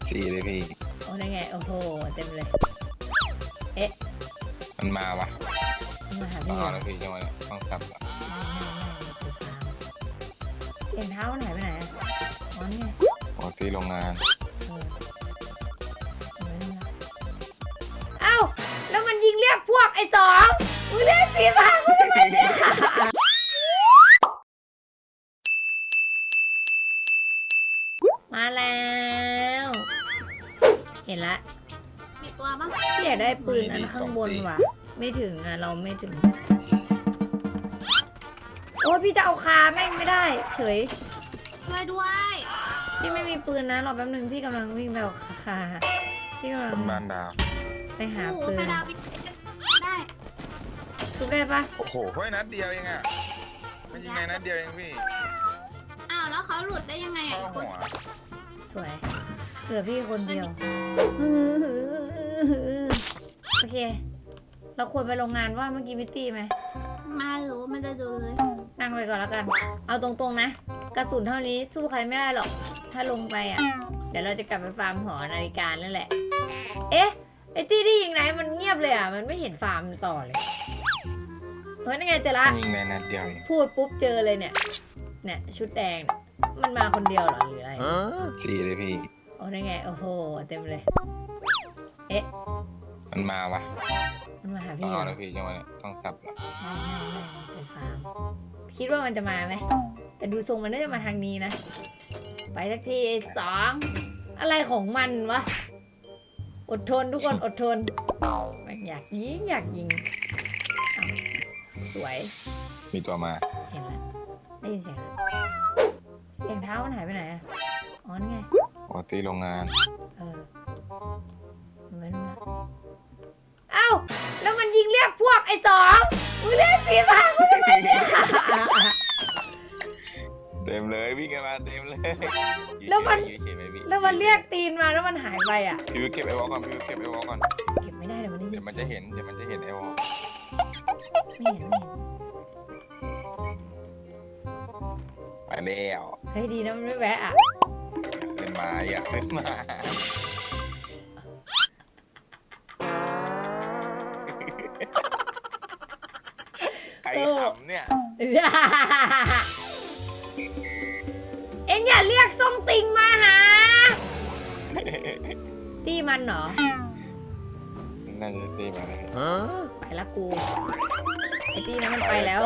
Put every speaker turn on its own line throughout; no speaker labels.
สี่เลยพี่
โอ้ได้ไงโอ้โหเต็มเลยเอ๊ะ
มันมาวะ
มาหา
ต้อ
พี่
งเอาแล้วพี่จังหวะนี้ต้องสับละ
เสียงเท้ามันหายไปไหนอ่ะอ๋อนี่ไง
ปกติโรงงาน
เอ้าแล้วมันยิงเรียกพวกไอ้สองมึงเรียกสีฟ้ามึงทำไมเนี่ยมาแล้วเห็นละ
มีตัวบ้าง
พี่อยากได้ปืนอันข้างบนว่ะไม่ถึงอ่ะเราไม่ถึงโอ้พี่จะเอาคาแม่งไม่ได้เฉย
ช่วยด้วย
พี่ไม่มีปืนนะรอแป๊บนึงพี่กำลังวิ่งไปเอาคาพี่กำลัง
เป็นบ้านดาว
ไปหา
โอ้โห
ปืน
ไปดาวไปได้
ทุบได้ปะ
โอ้โหเฮ้ยนัดเดียวเองอ่ะมันยิงไงนัดเดียวเองพี่
อ้าวแล้วเขาหลุดได้ยังไง
เข้า
อ่ะ
หัว
สวยเหลือพี่คนเดียวโอเคเราควรไปโรงงานว่าเมื่อกี้มิตตี้ไหม
มารู้มันจะดูเลย
นั่งไปก่อนแล้วกันเอาตรงๆนะกระสุนเท่านี้สู้ใครไม่ได้หรอกถ้าลงไปอ่ะเดี๋ยวเราจะกลับไปฟาร์มหอนาฬิกานั่นแหละเอ๊ะไอตี้ที่ยิงไหนมันเงียบเลยอ่ะมันไม่เห็นฟาร์มต่อเลยเฮ้ยนั่นไงเจอละ
ยิงในนัดเดียวเอง
พูดปุ๊บเจอเลยเนี่ยชุดแดงเนี่ยมันมาคนเดียวเหรอหรืออะไร
สี่เลยพี่
โอ้ได้ไงโอ้โหเต็มเลยเอ๊ะ
มันมาวะ
มันมาหา
ต้อง
พี่เหร
เอา
อ
แล้วพี่จังหวะนี้ต้องสับละ
ไม่ไปฟาร์มคิดว่ามันจะมาไหมแต่ดูทรงมันน่าจะมาทางนี้นะไปสักทีสองอะไรของมันวะอดทนทุกคนอดทนมันอยากยิงอ้าวสวย
มีตัวมา
เห็นแล้วได้ยินเสียงเสียงเท้ามันหายไปไหนอะอ๋อนี่ไง
ปกติโรงงาน
เออไม่รู้นะเอ้าแล้วมันยิงเรียกพวกไอ้สองมึงเรียกสีฟ้ามึงทำไมเนี่ย
เต็มเลยวิ่งกันมาเต็มเลย
แล้วมัน
ยืเฉยๆไหพี่
แล้วมันเรียกตีนมาแล้วมันหายไปอ่ะ
พี่วิวเก็บไอวอลก่อนพี่วิวเก็บไอวอลก่อน
เก็บไม่ได้เดี๋ยวมันได้ยิ
เดี๋ยวมันจะเห็นไอวอล
ไม่เห็น
ไปแล้ว
เฮ้ยดีนะมันไม่แวะอ่ะ
ขึ้นมาอย่าขึ้นมาใครขำเนี่ย
เอ็งอย่าเรียกส้มติงมาหาตีมันเหรอ
น่าจะตีมาเลย
ไปละกูไอตีนั้นมันไปแล้ว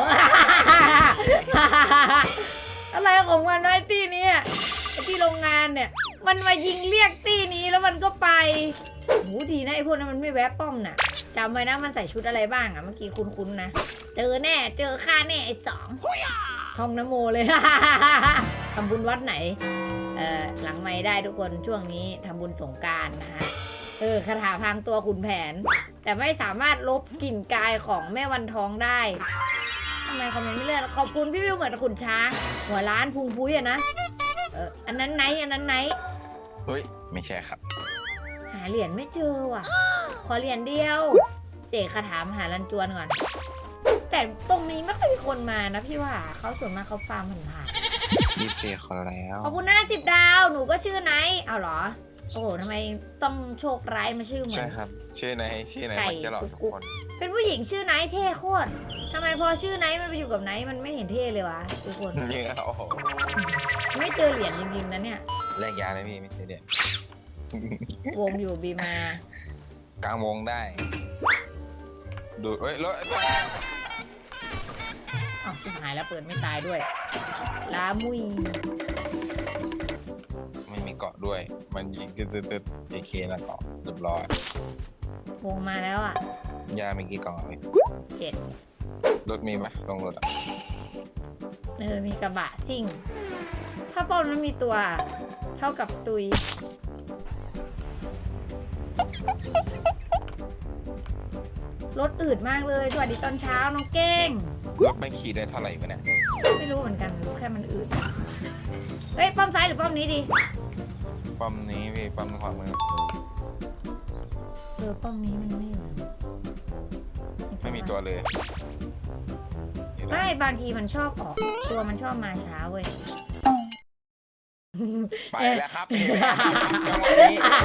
อะไรของมันวะไอตีนี้ไอตีโรงงานเนี่ยมันมายิงเรียกตีนี้แล้วมันก็ไปโหดีนะไอพวกนั้นมันไม่แวะป้อมน่ะจำไว้นะมันใส่ชุดอะไรบ้างอะเมื่อกี้คุ้นๆนะเจอแน่เจอข้าแน่ไอสองท่องนโมเลย ทำบุญวัดไหนหลังไม่ได้ทุกคนช่วงนี้ทำบุญสงกรานต์นะฮะคาถาพรางตัวขุนแผนแต่ไม่สามารถลบกลิ่นกายของแม่วันทองได้ทำไมคอมเมนต์ไม่เลื่อนขอบคุณพี่วิวเหมือนขุนช้างหัวล้านพุงพุ้ยอะนะอันนั้นไหน
เฮ้ยไม่ใช่ครับ
หาเหรียญไม่เจอว่ะขอเหรียญเดียวเสกคาถามหาลันจวนก่อนแต่ตรงนี้ไม่ค่อยมีคนมานะพี่ว่าเขาส่วนมากเขาฟาร์มผ่าน
24คนแล้ว
ขอบคุณ50 ดาวหนูก็ชื่อไนท์เอาเหรอโอ้โหทำไมต้องโชคร้ายมาชื่อเหมือน
ใช่ครับชื่อไหนมันจะหลอกทุกคน
เป็นผู้หญิงชื่อไนท์เท่โคตรทำไมพอชื่อไนท์มันไปอยู่กับไนท์มันไม่เห็นเท่เลยวะทุกคน
เนี่ยโอ้โห
ไม่เจอเหรียญจริงๆนะเนี่ย
แลกยาเลยพี่ไม่ใช่เด็ด
วงอยู่บีมาก
ลางวงได้ดูเฮ้ยรถ
อ้าวชิบหายแล้วเปิดไม่ตายด้วยลามุย
ไม่มีเกาะด้วย มันยิงตึ๊ดเอเคแล้วเกาะเรียบร้อยว
งมาแล้วอ่ะ
ยามีกี่กล่องเลย
7
รถมีปะลงรถอ่ะ
มีกระบะซิ่งถ้าป้อมนั้นมีตัวเท่ากับตุยรถอืดมากเลยสวัสดีตอนเช้าน้องเก้ง
รถไม่ขี่ได้เท่าไหร่วะเนี่ย
ไม่รู้เหมือนกันรู้แค่มันอืดเฮ้ยป้อมซ้ายหรือป้อมนี้ดี
ปั๊มนี้พี่ปั๊มขวามือ
ป้อมนี้มันไม่อยู่
ไม่มีตัวเลย
ไม่บางทีมันชอบออกตัวมันชอบมาช้าเว้ย
ไปแล้วครับจังหวะนี้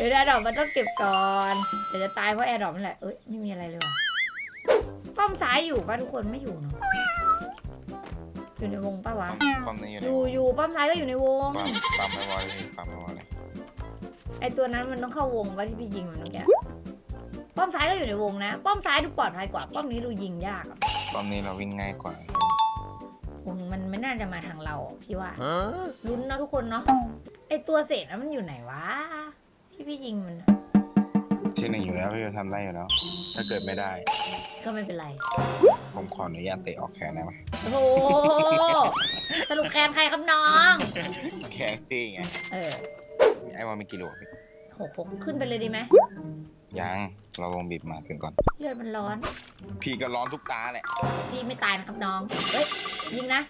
ดี๋ยวแอร์ดรอปมันต้องเก็บก่อนเดี๋ยวจะตายเพราะแอร์ดรอปนั่นแหละเอ้ยไม่มีอะไรเลยว่ะป้อมซ้ายอยู่ป่ะทุกคนไม่อยู่เนาะอยู่ในวงป่ะวะ
ปั๊มนี้อยู่
อ
ใน
ยู่ป้อมซ้ายก็อยู่ในวง
ปั๊มไม่วอลเลยปั๊มไม่วอลเลย
ไอตัวนั้นมันต้องเข้าวงป่ะที่พี่ยิงมันเมื่อกี้ป้อมซ้ายก็อยู่ในวงนะป้อมซ้ายดูปลอดภัยกว่าป้อมนี้ดูยิงยากอะ
ปั๊มนี้เราวิ่งง่ายกว่า
มันไม่น่าจะมาทางเราอะพี่ว่าลุ้นเนาะทุกคนเนาะไอตัวเศษนั้นมันอยู่ไหนวะที่พี่ยิงมันอะ
ที่หนึ่งอยู่แล้วพี่จะทำได้อยู่แล้ว ถ้าเกิดไม่ได้
ก็ไม่เป็นไร
ผมขออนุญาตเตะออกแขนได้ไหม
โอ้โหสรุปแคนใครครับน้อง
แขนตี้ไง
เออ
ไอ้วอลมีกี่ลูกพี่
6ขึ้นไปเลยดีไหม
ยังเราวงบีบมาขึ้นก่อน
เลือดมันร้อน
พี่ก็ร้อนทุกตาแหละ
พี่ไม่ตายนะครับน้องเฮ้ยยิงนะ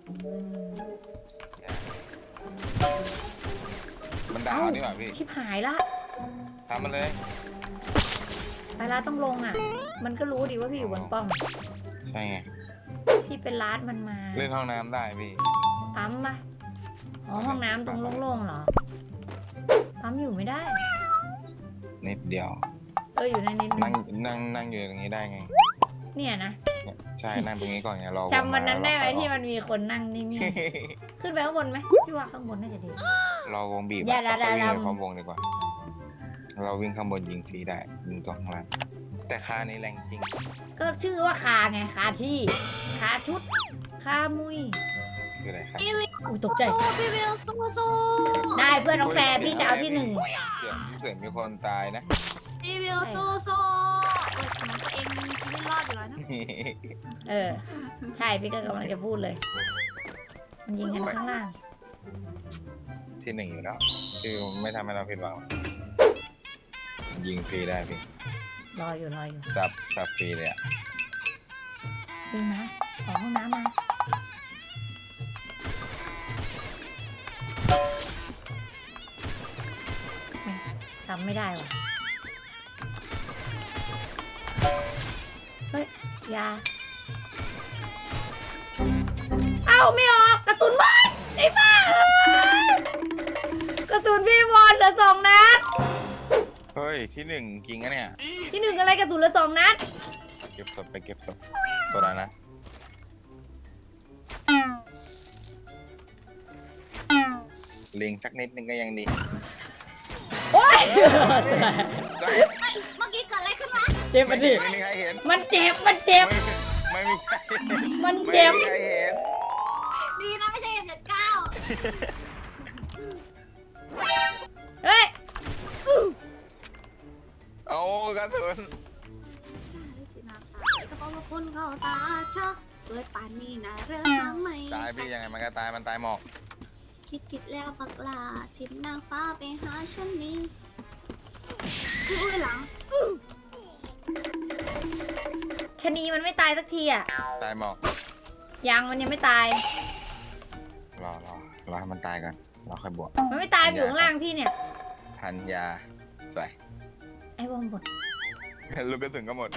มันดาวนี่หว่าพี่
ชิบหายละ
ทำมันเลย
ไปละต้องลงอ่ะ มันก็รู้ดีว่าพี่อยู่บนป้อม
ใช่ไง
พี่เป็นลาดมันมา
เล่นห้องน้ำได้พี่
ปั๊มปะอ๋อห้องน้ำตรงโล่งๆเหรอ ปั๊มอยู่ไม่ได้
นิดเดียว
อยู่ในนิดนึ
นั่งอยู่ตรงนี้ได้ไง
เนี่ยนะ
เนี่ยใช่นั่งตรงนี้ก่อนไงรอ
จำวันนั้นได้ไหม
รอ
ที่มันมีคนนั่งนิ่งๆ ขึ้นไปข้างบนไหมพี่ว่าข้างบนน่าจะดี
รอวงบีบ
อย่า
เราวิ่ง
อย่า
ไปพร้อมวงดีกว่า เราวิ่งข้างบนยิงฟรีได้ยิงตรงข้างล่างแต่ค่านี้แรงจริง
ก็ชื่อว่าคาไงคาที่คาชุดคามุย
คืออะไรครับ
พี่วิว
อุ้ยตกใจ
พี่วิวสู้
ได้เพื่อนน้องแฟร์พี่จะเอาที่หนึ่ง
เสือมีคนตายนะ
พี่วิวสู้เหมือนตัวเองมีชีวิตรอดอยู่แล้วนะ
ใช่พี่ก็กำลังจะพูดเลย มันยิงกันข้างล่าง
ที่หนึ่งอยู่แล้วคือไม่ทำให้เราผิดหวังยิงฟรีได้พี่
รออยู่
สับฟรีเลยอ่ะ
ดึงมาขอห้องน้ำมาซ้ำไม่ได้ว่ะ เฮ้ยยาเอ้าไม่ออกกระสุนหมดไอ้บ้ากระสุนพี่บอลเหลือ2 นัด
เฮ้ยที่หนึ่งจริงอะเนี่ย
ที่หนึ่งอะไรกระสุนเหลือ2 นัด
เก็บศพไปเก็บศพตัวนั้นนะลิงสักนิดนึงก็ยังดี
โอ๊ย
เมื่อกี้เกิดอะไรขึ้นวะ
เจ็บมันดิ
ไม่มีใครเห็น
มันเจ็บ
ไม่มีใครเห็น
มันเจ็บ
ไม่มีใครเห็น
ดีนะไม่ใช่F79
เฮ้ย
โอ้กระสุน
ก็เพราะว่าคุณเข้าตาชอบเกิดป่านนี้นะเรื่องทำไม
ตายพี่ยังไงมันก็ตายมันตายหมอก
คิดแล้วปักลาทิพนางฟ้าไปหาฉันนี้อุ้ยหลัง
ชะนีมันไม่ตายสักทีอ่ะ
ตายหมอก
มันยังไม่ตาย
รอให้มันตายก่อนเราค่อยบวก
มันไม่ตายอยู่ข้างล่างพี่เนี่ย
พันยาสวย
ไอ้วงบด
ลูกกระสุนก็หมด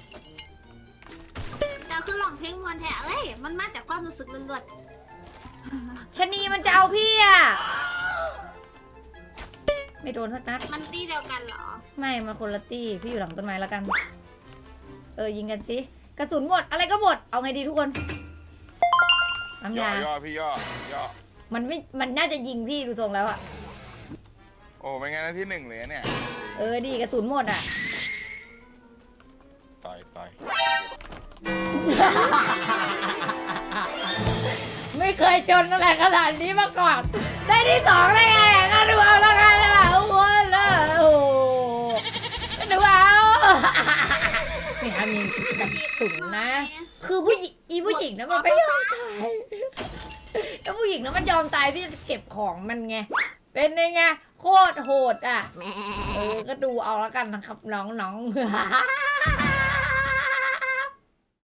แต่คือหลองเพลงมวนแท้เลยมันมาจากความรู้สึกล้วน
ชะนีมันจะเอาพี่อ่ะ ไม่โดนสักนัด
ๆมันตีเดียวกันเหรอ
ไม่มาคนละตี้พี่อยู่หลังต้นไม้แล้วกัน ยิงกันสิ กระสุนหมด อะไรก็หมด เอาไงดีทุกคนน้ำ
ย่
ยา
อพี่ย่อ
มันน่าจะยิงพี่ดูทรงแล้วอะ
โอ้ไม่งั้นนะที่หนึ่งเลยเนี่ย
ดีกระสุนหมดอะ
ต่อย
ไม่เคยจนอะไรขนาดนี้มาก่อน ได้ที่ 2ได้ไงอะก็ดูเอาแล้วกันล่ะโอ้โหโอ้ดูเอานี่ครับมีกระสุนนะ คือผู้หญิงนะมันไม่ยอมตายถ้าผู้หญิงนะมันยอมตายพี่จะเก็บของมันไง เป็นไงโคตรโหดอ่ะ ก็ดูเอาแล้วกันนะครับน้องๆ